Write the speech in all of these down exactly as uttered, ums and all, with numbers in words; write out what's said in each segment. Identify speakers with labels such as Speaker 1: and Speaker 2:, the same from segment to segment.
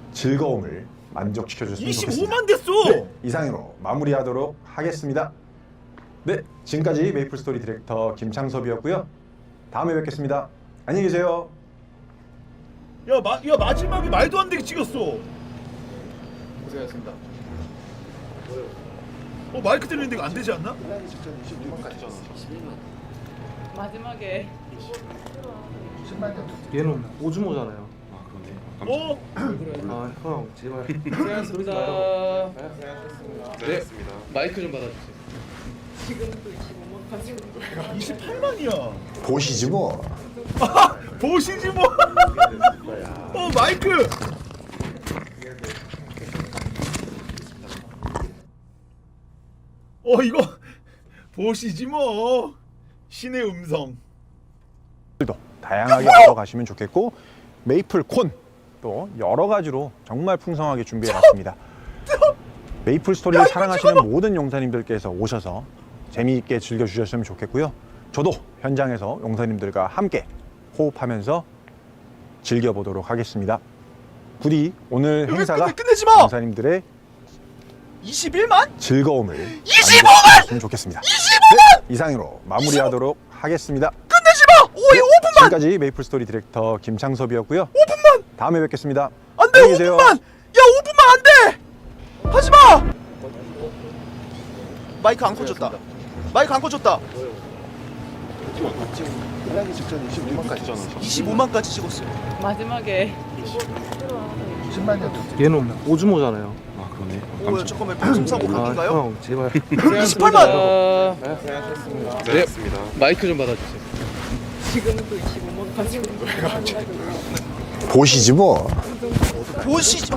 Speaker 1: 즐거움을 만족시켜줬으면 좋겠습니다.
Speaker 2: 이십오만 됐어.
Speaker 1: 네, 이상으로 마무리하도록 하겠습니다. 네, 지금까지 메이플스토리 디렉터 김창섭이었고요. 다음에 뵙겠습니다. 안녕히 계세요.
Speaker 2: 야, 마, 야 마지막에 말도 안 되게 찍었어.
Speaker 3: 고생하셨습니다.
Speaker 2: 어 마이크 들리는데 이거 안 되지 않나?
Speaker 4: 마지막에
Speaker 5: 얘는 오즈모잖아요.
Speaker 3: 아 그러네.
Speaker 2: 어?
Speaker 5: 아 형 제발.
Speaker 3: 고생하셨습니다. 네. 마이크 좀 받아주세요.
Speaker 4: 지금도 이십오만 가지고
Speaker 2: 이십팔만이야.
Speaker 1: 보시지 뭐.
Speaker 2: 아, 보시지 뭐. 어 마이크. 어 이거 보시지 뭐. 신의 음성.
Speaker 1: 도 다양하게 얻어가시면 좋겠고 메이플 콘 또 여러 가지로 정말 풍성하게 준비해봤습니다. 메이플 스토리를 사랑하시는 모든 용사님들께서 오셔서 재미있게 즐겨주셨으면 좋겠고요. 저도 현장에서 용사님들과 함께 호흡하면서 즐겨보도록 하겠습니다. 부디 오늘
Speaker 2: 여기
Speaker 1: 행사가
Speaker 2: 끝내, 끝내지 마!
Speaker 1: 용사님들의
Speaker 2: 이십일만?
Speaker 1: 즐거움을
Speaker 2: 이십오만!
Speaker 1: 만들어줬으면 좋겠습니다. 이십오만! 네, 이상으로 마무리하도록 하겠습니다.
Speaker 2: 끝내지 마! 오, 오 분만!
Speaker 1: 지금까지 메이플 스토리 디렉터 김창섭이었고요.
Speaker 2: 오 분만!
Speaker 1: 다음에 뵙겠습니다.
Speaker 2: 안 돼!
Speaker 1: 안녕히
Speaker 2: 오
Speaker 1: 계세요.
Speaker 2: 분만! 야 오 분만 안 돼! 하지 마! 마이크 안 꽂혔다. 마이크 안 꽂혔다.
Speaker 3: 끝나기 직전 이십오만까지 잖아.
Speaker 2: 이십오만까지 찍었어요.
Speaker 4: 마지막에
Speaker 5: 얘는 오즈모잖아요.
Speaker 3: 아 그러네.
Speaker 2: 오, 야, 잠깐만 방송 사고
Speaker 5: 아
Speaker 2: 각인가요?
Speaker 5: 형 제발.
Speaker 2: 이십팔만!
Speaker 3: 네, 고생하셨습니다. 네. 마이크 좀 받아주세요.
Speaker 4: 지금도 이십오만 가지고
Speaker 1: 보시지 뭐.
Speaker 2: 보시죠.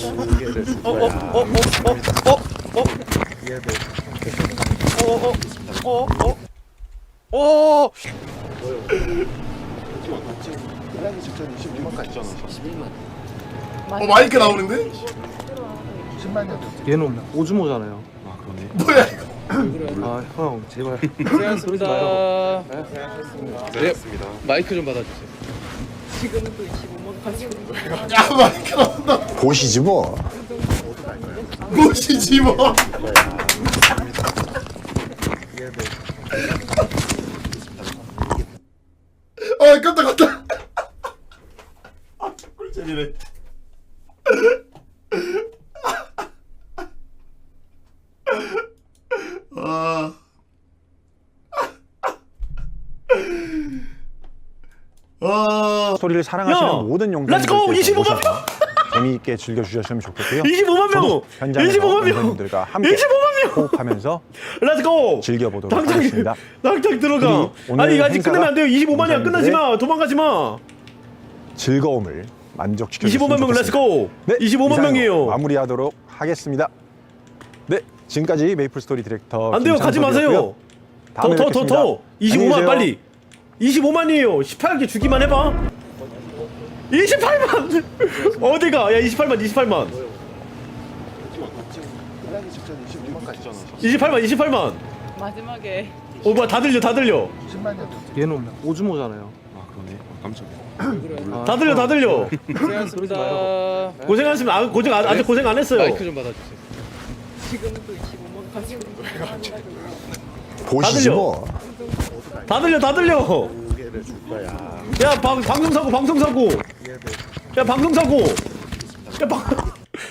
Speaker 2: 어어어어어어어어어어
Speaker 3: 끝나기 직전 이십오만까지 잖아.
Speaker 2: 어 마이크 나오는데?
Speaker 5: 얘는 오즈모잖아요.
Speaker 3: 아 그러네.
Speaker 2: 뭐야 이거?
Speaker 5: 아 형 제발.
Speaker 3: 고생하셨습니다. 네, 고생하셨습니다. 네. 마이크 좀 받아주세요.
Speaker 4: 지금도 이십오만 가지고
Speaker 2: 야 마이크 나온다.
Speaker 1: 보시지 뭐.
Speaker 2: 보시지 뭐. 아 깜짝 깜짝. 아 꿀잼이네. 아. 아.
Speaker 1: 스토리를 사랑하시는
Speaker 6: 야,
Speaker 1: 모든
Speaker 6: 렛츠고!
Speaker 1: 용사님들께서
Speaker 6: 이십오만
Speaker 1: 오셔서 재미있게 즐겨주셨으면 좋겠고요.
Speaker 6: 이십오만 명!
Speaker 1: 저도 현장에서
Speaker 6: 이십오만 명!
Speaker 1: 용사님들과 함께
Speaker 6: 이십오만 명!
Speaker 1: 호흡하면서
Speaker 6: 렛츠고!
Speaker 1: 즐겨보도록
Speaker 6: 당장
Speaker 1: 하겠습니다.
Speaker 6: 당장 들어가.
Speaker 1: 우리 오늘
Speaker 6: 아니 아직
Speaker 1: 행사가
Speaker 6: 끝내면 안 돼요. 이십오만이야. 끝나지 마. 도망가지 마.
Speaker 1: 즐거움을 만족시켜주셨으면
Speaker 6: 이십오만 명
Speaker 1: 좋겠습니다.
Speaker 6: 렛츠고.
Speaker 1: 네,
Speaker 6: 이십오만
Speaker 1: 이상으로
Speaker 6: 명이에요.
Speaker 1: 마무리하도록 하겠습니다. 네, 지금까지 메이플 스토리 디렉터
Speaker 6: 안 돼요. 가지 마세요.
Speaker 1: 다음에
Speaker 6: 더 더 더
Speaker 1: 뵙겠습니다.
Speaker 6: 더. 이십오만
Speaker 1: 안녕히 계세요.
Speaker 6: 빨리. 이십오만이에요. 십팔 개 주기만 해봐. 이십팔만. 어디가? 야 이십팔만 이십팔만.
Speaker 3: 끝나기 직전 이십오만까지 잖아.
Speaker 6: 이십팔만 이십팔만.
Speaker 4: 마지막에
Speaker 6: 어 뭐야 다 들려 다 들려.
Speaker 5: 얘는 오즈모잖아요.
Speaker 3: 아 그러네. 아, 깜짝이야.
Speaker 5: 아,
Speaker 6: 다 들려 다 들려.
Speaker 3: 고생하셨습니다.
Speaker 6: 고생하셨습니다. 아, 고생 아, 아직 고생 안 했어요.
Speaker 3: 마이크 좀 받아주세요.
Speaker 4: 지금도 이십오만 가지고
Speaker 1: 보시지
Speaker 6: 들려.
Speaker 1: 뭐.
Speaker 6: 다 들려 다 들려. 야 방, 방송 사고 방송 사고. 야 방송 사고. 야 방.